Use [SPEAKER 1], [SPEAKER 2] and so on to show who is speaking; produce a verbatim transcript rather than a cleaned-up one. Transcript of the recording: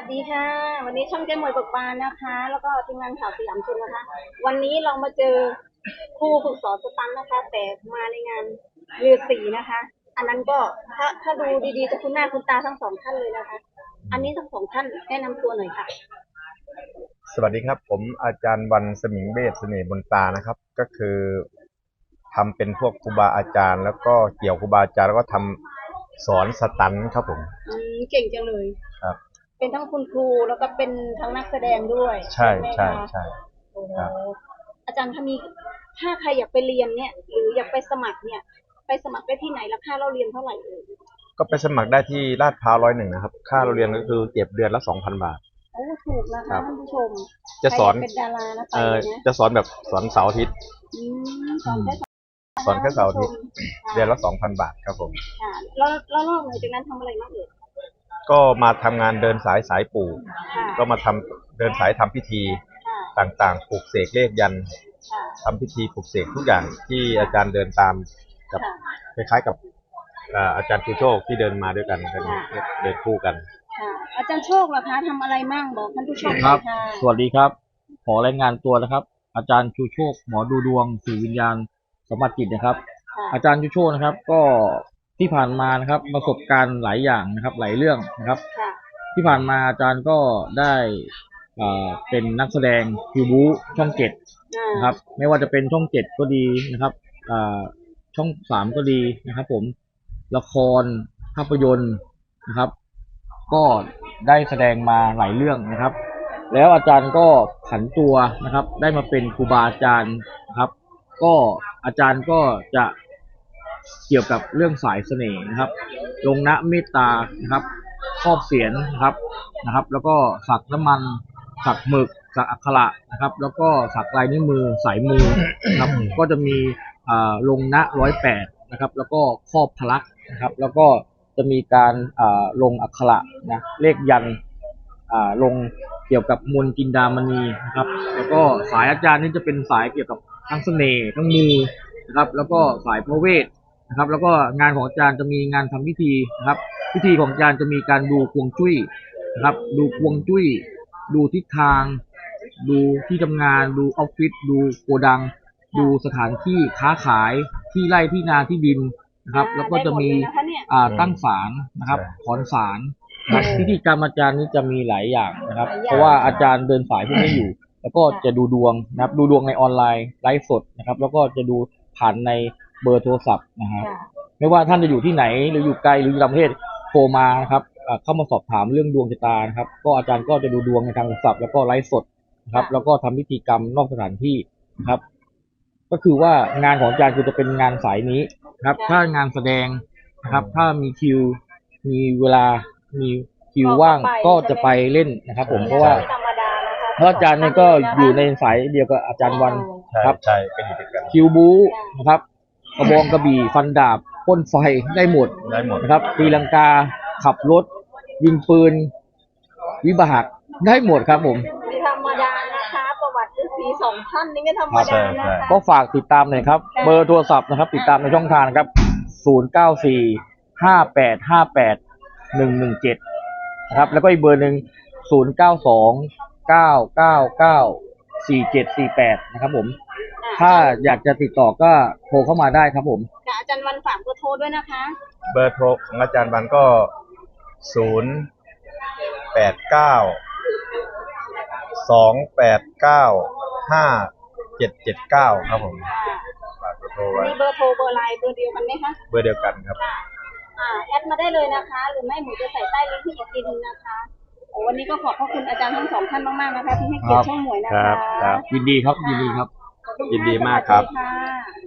[SPEAKER 1] ดีค่ะวันนี้ช่องเจ๊หมวยเบิกบานนะคะ แล้วก็ทีมงานข่าวสยามชนนะคะวันนี้เรามาเจอครูฝึกสอนสตันนะคะแต่มาในงานเรือสีนะคะอันนั้นก็ถ้าถ้าดูดีๆจะคุ้นหน้าคุ้นตาทั้งสองท่านเลยนะคะอันนี้ทั้งสองท่านแนะนำตัวหน่อยค่ะ
[SPEAKER 2] สวัสดีครับผมอาจารย์วันสมิงเบศเสน่ห์บนตานะครับก็คือทำเป็นพวกครูบาอาจารย์แล้วก็เกี่ยวครูบาอาจารย์แล้วก็ทำสอนสตันครับผม
[SPEAKER 1] อืมเก่งจังเลย
[SPEAKER 2] ครับ
[SPEAKER 1] เป็นทั้งคุณครูแล้วก็เป็นทั้งนักแสดงด้วย
[SPEAKER 2] ใช่ใช่ใช่
[SPEAKER 1] โอ้โหอาจารย์ถ้ามีถ้าใครอยากไปเรียนเนี่ยหรืออยากไปสมัครเนี่ยไปสมัครได้ที่ไหนราคาเราเรียนเท่าไหร่เอ่ย
[SPEAKER 2] ก็ไปสมัครได้ที่ลาดพร้าวร้อยหนึ่งนะครับค่าเราเรียนก็คือเก็บเดือนละสองพันบาท
[SPEAKER 1] โอ้ถูกนะคะท่านผู้ชม
[SPEAKER 2] จะสอน
[SPEAKER 1] เป็นดารานะไป
[SPEAKER 2] เอ่อ
[SPEAKER 1] นะ
[SPEAKER 2] จะสอนแบบสอนเสาร์อาทิตย์
[SPEAKER 1] อืมสอนแค่
[SPEAKER 2] สอนแค่เสาร์อาทิตย์เดือนละสองพันบาทครับผม
[SPEAKER 1] ค่ะแล้วแล้วนอกเหนือจากนั้นทำอะไรบ้างเอ่ย
[SPEAKER 2] ก็มาทำงานเดินสายสายปู่ก็มาทำเดินสายทำพิธีต่างๆปลูกเสกเลขยันทำพิธีปลูกเสกทุกอย่างที่อาจารย์เดินตามกับคล้ายๆกับอาจารย์ชูโชคที่เดินมาด้วยกันเดินคู่กัน
[SPEAKER 1] อาจารย์โชคเหรอคะทำอะไรมั่งบอกท่านผู้ชม
[SPEAKER 3] ครับสวัสดีครับขอรายงานตัวนะครับอาจารย์ชูโชคหมอดูดวงสื่อวิญญาณสมบัติจิตนะครับอาจารย์ชูโชคนะครับก็ที่ผ่านมานะครับประสบการณ์หลายอย่างนะครับหลายเรื่องนะครับที่ผ่านมาอาจารย์ก็ได้เป็นนักแสดงคิวบูช่องเจ็ดนะครับไม่ว่าจะเป็นช่องเจ็ดก็ดีนะครับช่องสามก็ดีนะครับผมละครภาพยนตร์นะครับก็ได้แสดงมาหลายเรื่องนะครับแล้วอาจารย์ก็ผันตัวนะครับได้มาเป็นครูบาอาจารย์นะครับก็อาจารย์ก็จะเกี่ยวกับเรื่องสายเสน่ห์นะครับลงนะเมตตานะครับครอบเสียรนะครับนะครับแล้วก็สักน้ำมันสักหมึกสักอักขระนะครับแล้วก็สักลายนิ้วมือสายมือนะครับก็จะมีลงนะร้อยแปดนะครับแล้วก็ครอบพลักนะครับแล้วก็จะมีการลงอักขระนะเลขยันลงเกี่ยวกับมนต์จินดามณีนะครับแล้วก็สายอาจารย์นี่จะเป็นสายเกี่ยวกับทั้งเสน่ห์ทั้งมือนะครับแล้วก็สายพระเวทนะครับแล้วก็งานของอาจารย์จะมีงานทำพิธีนะครับพิธีของอาจารย์จะมีการดูฮวงจุ้ยนะครับดูฮวงจุ้ยดูทิศทางดูที่ทำงานดูออฟฟิศดูโกดังดูสถานที่ค้าขายที่ไร่ที่นาที่ดินนะครับแล้วก็จะมีตั้งศาลนะครับถอนศาลพิธีกรรมอาจารย์นี้จะมีหลายอย่างนะครับเพราะว่าอาจารย์เดินสายพวกนี้อยู่แล้วก็จะดูดวงนะครับดูดวงในออนไลน์ไลฟ์สดนะครับแล้วก็จะดูผ่านในเบอร์โทรศัพท์นะฮะไม่ว่าท่านจะอยู่ที่ไหนหรืออยู่ไกลหรืออยู่ต่างประเทศโทรมานะครับเข้ามาสอบถามเรื่องดวงชะตานะครับก็อาจารย์ก็จะดูดวงในทางโทรศัพท์แล้วก็ไลฟ์สดนะครับแล้วก็ทำพิธีกรรมนอกสถานที่นะครับก็คือว่างานของอาจารย์คือจะเป็นงานสายนี้ครับถ้างานแสดงนะครับถ้ามีคิวมีเวลามีคิวว่างก็จะไปเล่นนะครับผมเพราะว่าเพราะอาจารย์เนี่ยก็อยู่ในสายเดียวกับอาจารย์วันครับ
[SPEAKER 2] ใช่เป็นอยู่ด้วยกัน
[SPEAKER 3] คิวบูนะครับกระบองกระบี่ฟันดาบพ่นไฟได้หมด
[SPEAKER 2] ได้หมด
[SPEAKER 3] นะครับตีลังกาขับรถยิงปืนวิบากได้หมดครับผม
[SPEAKER 1] ไม่ธรรมดานะคะประวัติฤาษีสองท่านนี่ไม่ธรรมดานะคะ
[SPEAKER 3] ก็ฝากติดตามหน่อยครับเบอร์โทรศัพท์นะครับติดตามในช่องทางครับศูนย์ เก้า สี่ ห้า แปด ห้า แปด หนึ่ง หนึ่ง เจ็ดนะครับแล้วก็อีกเบอร์หนึ่งศูนย์ เก้า สอง เก้า เก้า เก้า สี่ เจ็ด สี่ แปดนะครับผมถ้าอยากจะติดต่อก็โทรเข้ามาได้ครับผม
[SPEAKER 1] อาจารย์วันฝากเบอร์โทรด้วยนะคะ
[SPEAKER 2] เบอร์โทรของอาจารย์วันก็ศูนย์ แปด เก้า สอง แปด เก้า ห้า เจ็ด เจ็ด เก้าครับผมฝากเบอร์โทรไว้
[SPEAKER 1] มีเบอร์โทรเบอร์ไลน์เบอร์เดียวกันไหมคะ
[SPEAKER 2] เบอร์เดียวกันครับ
[SPEAKER 1] อ่าแอดมาได้เลยนะคะหรือไม่หมูจะใส่ใต้ลิงก์ที่อีกทีนึงนะคะโอ้วันนี้ก็ขอบพระคุณอาจารย์ทั้งสองท่านมากๆนะคะที่ให้เกียรติช่องหมวยนะคะ
[SPEAKER 3] ยินดีครับยินดีครับ
[SPEAKER 2] ยินดีมากครับ